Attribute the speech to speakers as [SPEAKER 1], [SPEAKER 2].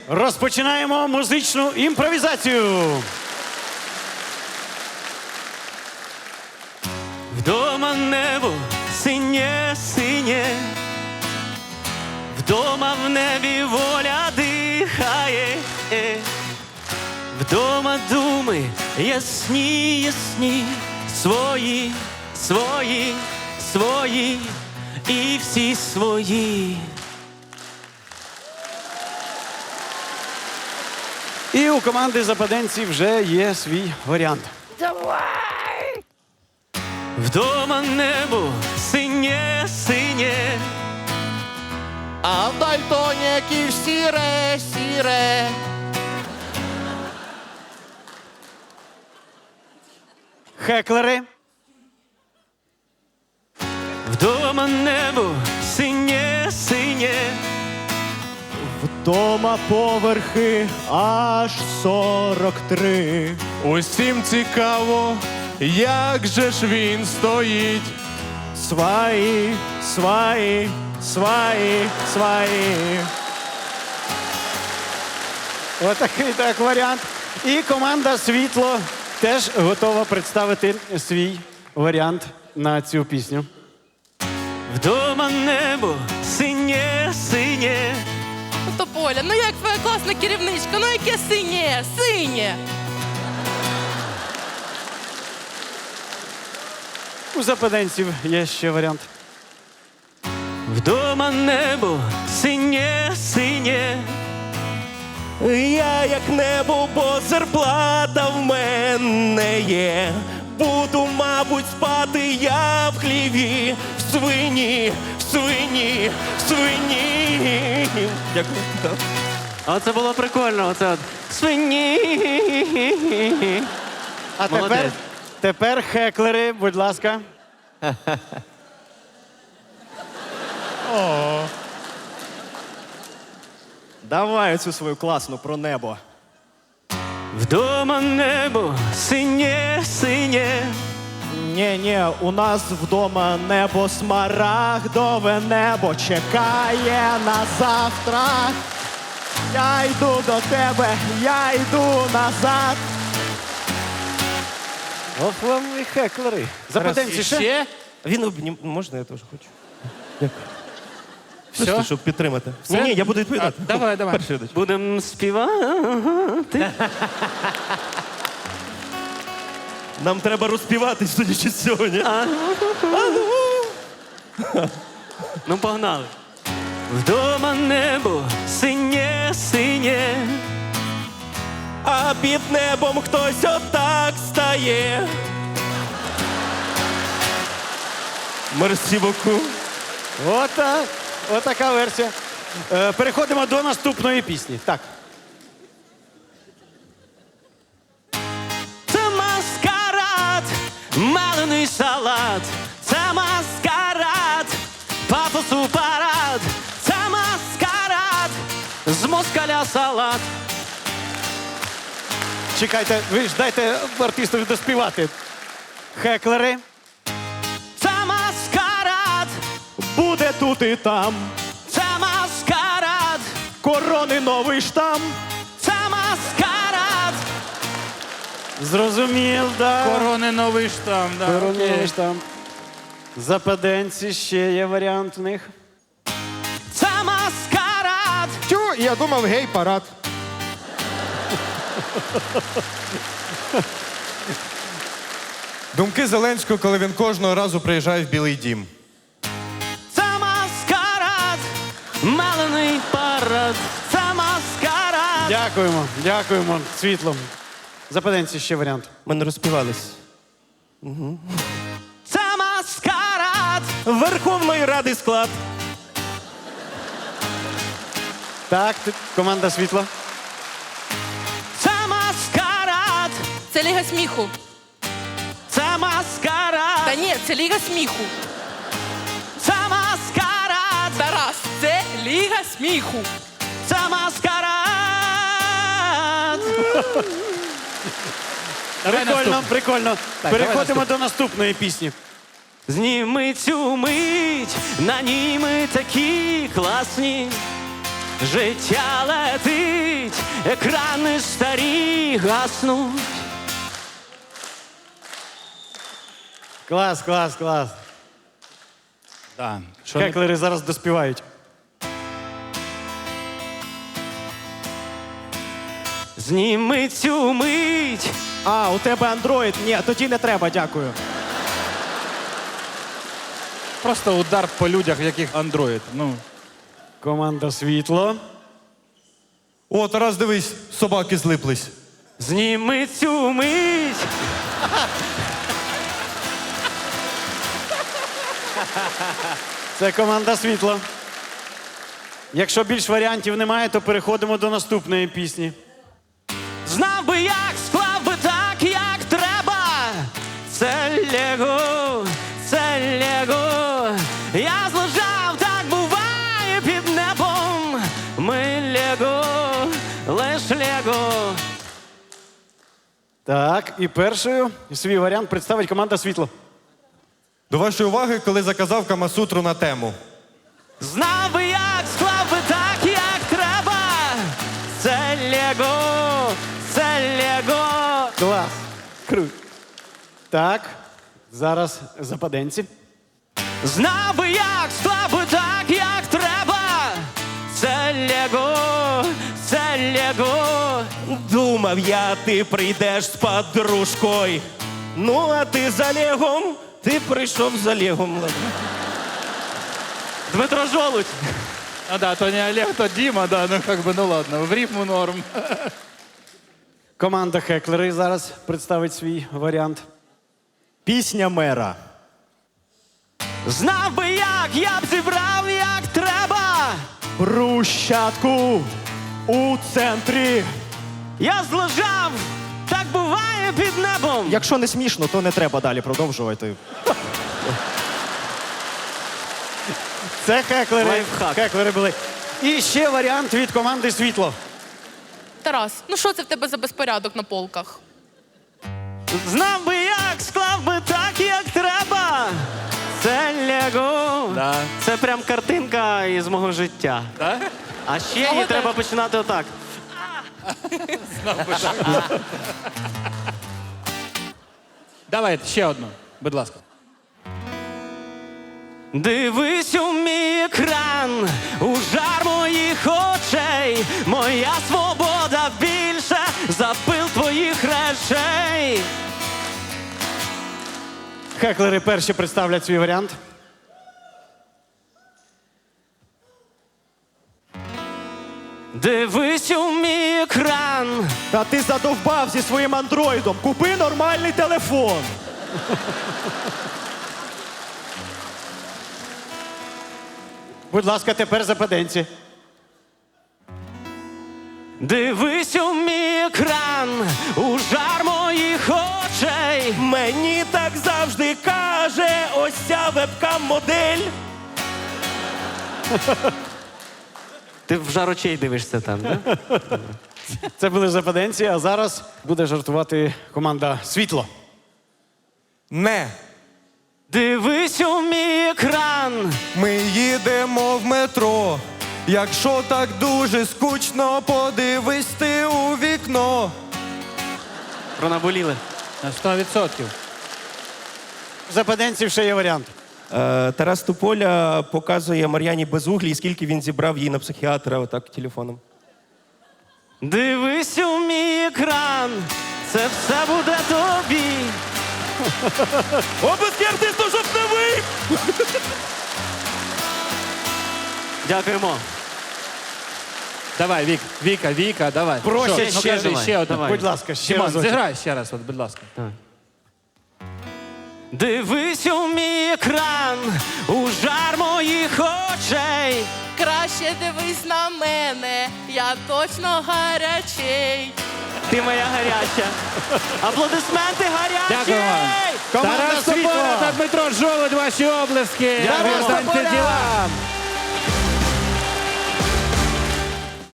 [SPEAKER 1] Розпочинаємо музичну імпровізацію.
[SPEAKER 2] Вдома небо синє-синє, вдома в небі воля дихає, вдома думи ясні, свої, свої, свої і всі свої.
[SPEAKER 1] І у команди западенців вже є свій варіант.
[SPEAKER 2] Вдома небо синє-синє,
[SPEAKER 3] А в дальтоніків сіре.
[SPEAKER 1] Хеклери.
[SPEAKER 2] вдома небо синє-синє,
[SPEAKER 3] Вдома поверхи аж 43.
[SPEAKER 4] Усім цікаво, як же ж він стоїть.
[SPEAKER 3] Сваї.
[SPEAKER 1] Отакий так варіант. І команда Світло теж готова представити свій варіант на цю пісню.
[SPEAKER 2] вдома небо синє-синє.
[SPEAKER 5] Ну, Тополя, ну як твоя класна керівничка, ну яке синє, синє.
[SPEAKER 1] У западенців є ще варіант.
[SPEAKER 2] Вдома небо синє-синє,
[SPEAKER 3] Я як небо, бо зарплата в мене є. Буду, мабуть, спати я в хліві, в свині. Дякую.
[SPEAKER 2] Оце було прикольно, оце от свині.
[SPEAKER 1] А
[SPEAKER 2] Молодець.
[SPEAKER 1] тепер хеклери, будь ласка.
[SPEAKER 3] Давай оцю свою класну про небо.
[SPEAKER 2] Вдома небо синє-синє,
[SPEAKER 3] Ні, у нас вдома небо смарагдове небо чекає на завтра. Я йду до тебе, я йду назад.
[SPEAKER 1] Ох вам і хеклери. Западенці ще?
[SPEAKER 3] Він обнім... Можна, я теж хочу. Дякую.
[SPEAKER 4] Все?
[SPEAKER 3] Щоб підтримати. Ні, я буду відповідати.
[SPEAKER 4] Давай.
[SPEAKER 3] Перший йдеш.
[SPEAKER 2] будем співати.
[SPEAKER 3] Нам треба розпівати, судячи з сьогодні.
[SPEAKER 2] Ну, погнали. Вдома небо синє-синє,
[SPEAKER 3] А під небом хтось отак стає. Мерсі боку.
[SPEAKER 1] Отак. Отака версія. Переходимо до наступної пісні. Так.
[SPEAKER 2] це маскарад, малений салат, це маскарад, пафосу парад, це маскарад, з москаля салат.
[SPEAKER 1] Чекайте, ви ж дайте артистові доспівати. Хеклери.
[SPEAKER 2] Це маскарад,
[SPEAKER 3] Буде тут і там.
[SPEAKER 2] це маскарад,
[SPEAKER 3] Корони новий штам.
[SPEAKER 2] це маскарад.
[SPEAKER 1] Зрозумів, да.
[SPEAKER 4] Корони новий штам, да.
[SPEAKER 1] Корони там. Западенці, ще є варіант в них.
[SPEAKER 2] Це маскарад,
[SPEAKER 4] Тю, я думав, гей-парад. Думки Зеленського, коли він кожного разу приїжджає в Білий дім.
[SPEAKER 2] це маскарад, малений парад, це маскарад.
[SPEAKER 1] Дякуємо, Світло. Западенці, ще варіант.
[SPEAKER 3] Ми не розпівались.
[SPEAKER 2] Це маскарад,
[SPEAKER 3] Верховної Ради склад.
[SPEAKER 1] Так, команда Світло.
[SPEAKER 2] це маскарад,
[SPEAKER 5] Це Ліга сміху.
[SPEAKER 2] це маскарад,
[SPEAKER 5] Та ні, це Ліга сміху.
[SPEAKER 2] це маскарад,
[SPEAKER 5] Тарас, це Ліга сміху.
[SPEAKER 2] це маскарад.
[SPEAKER 1] Прикольно. Переходимо до наступної пісні.
[SPEAKER 2] Зніми цю мить, на ній ми такі класні. Життя летить, екрани старі гаснуть.
[SPEAKER 1] Клас, клас, клас.
[SPEAKER 4] Да. Що не-
[SPEAKER 1] Хеклери зараз доспівають.
[SPEAKER 2] Зніми цю мить.
[SPEAKER 3] А, у тебе андроїд? Ні, тоді не треба, дякую.
[SPEAKER 4] Просто удар по людях, в яких андроїд. Ну.
[SPEAKER 1] Команда світло.
[SPEAKER 6] О, Тарас, дивись, собаки злиплись.
[SPEAKER 2] Зніми цю мить.
[SPEAKER 1] Це команда світло. Якщо більш варіантів немає, то переходимо до наступної пісні.
[SPEAKER 2] Знав би як, склав би так, як треба. Це Лего, це Лего. Я злежав, так буває під небом. Ми Лего, лиш Лего.
[SPEAKER 1] Так, і першою свій варіант представить команда світло.
[SPEAKER 6] До вашої уваги, коли заказав Камасутру на тему.
[SPEAKER 2] Знав би як, склав би так, як треба. Це Лего, це Лего.
[SPEAKER 1] Клас. Круто. Так, зараз западенці.
[SPEAKER 2] Знав би як, склав би так, як треба. Це Лего, це Лего.
[SPEAKER 3] Думав я, ти прийдеш з подружкою. Ну, а ти за Легом, ти прийшов за Легом.
[SPEAKER 2] Дмитро Жолудь.
[SPEAKER 4] А да, то не Олег, то Дима, да, ну как бы, ну ладно, в рифму норм.
[SPEAKER 1] Команда Хеклери зараз представить свій варіант.
[SPEAKER 6] Пісня мера.
[SPEAKER 2] Знав би як, я б зібрав, як треба.
[SPEAKER 6] Брущатку у центрі.
[SPEAKER 2] Я злежав, так буває під небом.
[SPEAKER 3] Якщо не смішно, то не треба далі продовжувати.
[SPEAKER 1] Це хеклери.
[SPEAKER 2] Лайфхак.
[SPEAKER 1] Хеклери були. І ще варіант від команди світло.
[SPEAKER 5] Тарас, ну що це в тебе за безпорядок на полках?
[SPEAKER 2] Знав би як, склав би так, як треба. Це Лего.
[SPEAKER 4] Да.
[SPEAKER 2] Це прям картинка із мого життя.
[SPEAKER 4] Да?
[SPEAKER 2] А ще
[SPEAKER 5] Мого
[SPEAKER 2] її
[SPEAKER 5] теж.
[SPEAKER 2] треба починати отак.
[SPEAKER 4] Давай, ще одну, будь ласка.
[SPEAKER 2] Дивись у мій екран, у жар моїх очей. Моя свобода більше за пил твоїх речей.
[SPEAKER 1] Хеклери перші представлять свій варіант.
[SPEAKER 2] Дивись у мій екран.
[SPEAKER 3] Та ти задовбав зі своїм андроїдом. Купи нормальний телефон.
[SPEAKER 1] Будь ласка, тепер западенці.
[SPEAKER 2] Дивись у мій екран, у жар моїх очей.
[SPEAKER 3] Мені так завжди каже ось ця вебкам-модель.
[SPEAKER 2] Ти в жар очей дивишся там, да?
[SPEAKER 1] Це були западенці, а зараз буде жартувати команда світло.
[SPEAKER 6] Не.
[SPEAKER 2] Дивись у мій екран.
[SPEAKER 6] Ми їдемо в метро. Якщо так дуже скучно, подивись ти у вікно.
[SPEAKER 2] Пронаболіли.
[SPEAKER 4] На 100%.
[SPEAKER 1] Западенців ще є варіант.
[SPEAKER 3] Тарас Тополя показує Мар'яні Безуглій, скільки він зібрав їй на психіатра отак телефоном.
[SPEAKER 2] Дивись у мій екран, це все буде тобі.
[SPEAKER 3] Обласки артисту жовтневий!
[SPEAKER 2] Дякуємо.
[SPEAKER 4] Давай, Віка, давай.
[SPEAKER 1] Проще
[SPEAKER 4] Що?
[SPEAKER 1] ще
[SPEAKER 4] Ну, кажи,
[SPEAKER 1] давай.
[SPEAKER 4] ще одну.
[SPEAKER 2] Давай.
[SPEAKER 1] Будь ласка, ще
[SPEAKER 4] Дімон,
[SPEAKER 1] разочок.
[SPEAKER 4] зіграй ще раз, от, будь ласка.
[SPEAKER 2] Дивись у мій екран, у жар моїх очей.
[SPEAKER 5] Краще дивись на мене, я точно гарячий.
[SPEAKER 2] Ти моя гаряча. Аплодисменти гарячі!
[SPEAKER 4] Дякую вам.
[SPEAKER 1] Команда
[SPEAKER 4] Тарас
[SPEAKER 1] світло.
[SPEAKER 4] Тополя та Дмитро Жолудь, ваші облески.
[SPEAKER 1] Тарас
[SPEAKER 4] Станьте
[SPEAKER 1] Тополя.
[SPEAKER 4] ділам.